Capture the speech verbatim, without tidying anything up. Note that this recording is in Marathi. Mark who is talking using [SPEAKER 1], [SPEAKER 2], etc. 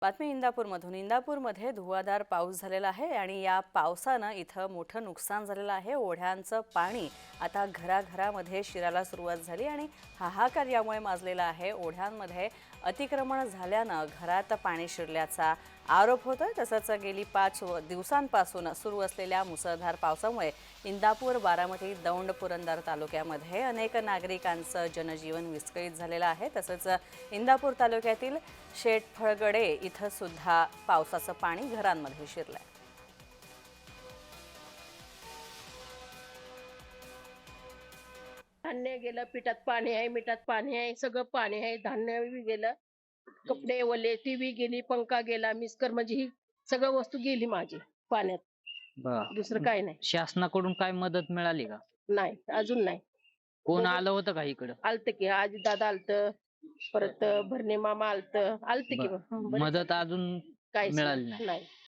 [SPEAKER 1] बातमी इंदापूरमधून. इंदापूरमध्ये धुवाधार पाऊस झालेला आहे आणि या पावसानं इथं मोठं नुकसान झालेलं आहे. ओढ्यांचं पाणी आता घराघरामध्ये शिरायला सुरुवात झाली आणि हाहाकार यामुळे माजलेला आहे. ओढ्यांमध्ये अतिक्रमण झाल्यानं घरात पाणी शिरल्याचा आरोप होतोय. तसंच गेली पाच दिवसांपासून सुरू असलेल्या मुसळधार पावसामुळे इंदापूर, बारामती, दौंड, पुरंदर तालुक्यामध्ये अनेक नागरिकांचं जनजीवन विस्कळीत झालेलं आहे. तसंच इंदापूर तालुक्यातील शेटफळगडे इथं सुद्धा पावसाचं पाणी घरांमध्ये शिरलंय.
[SPEAKER 2] धान्य गेलं, पिठात पाणी आहे, मिठात पाणी आहे, सगळं पाणी आहे. धान्य बी गेलं, कपडे ओले, टीव्ही गेली, पंखा गेला, मिस्कर म्हणजे ही सगळं वस्तू गेली माझी पाण्यात.
[SPEAKER 3] बर
[SPEAKER 2] दुसरं काही नाही.
[SPEAKER 3] शासनाकडून काय मदत मिळाली का?
[SPEAKER 2] नाही, अजून नाही.
[SPEAKER 3] कोण आलं होतं का इकडं?
[SPEAKER 2] आलतं की आजी दादा आलतं, परत भरणे मामा आलतं, आलतं की
[SPEAKER 3] बर.
[SPEAKER 2] मग. बरेच
[SPEAKER 3] मदत अजून
[SPEAKER 2] काहीच
[SPEAKER 3] मिळाली नाही.
[SPEAKER 2] नाही.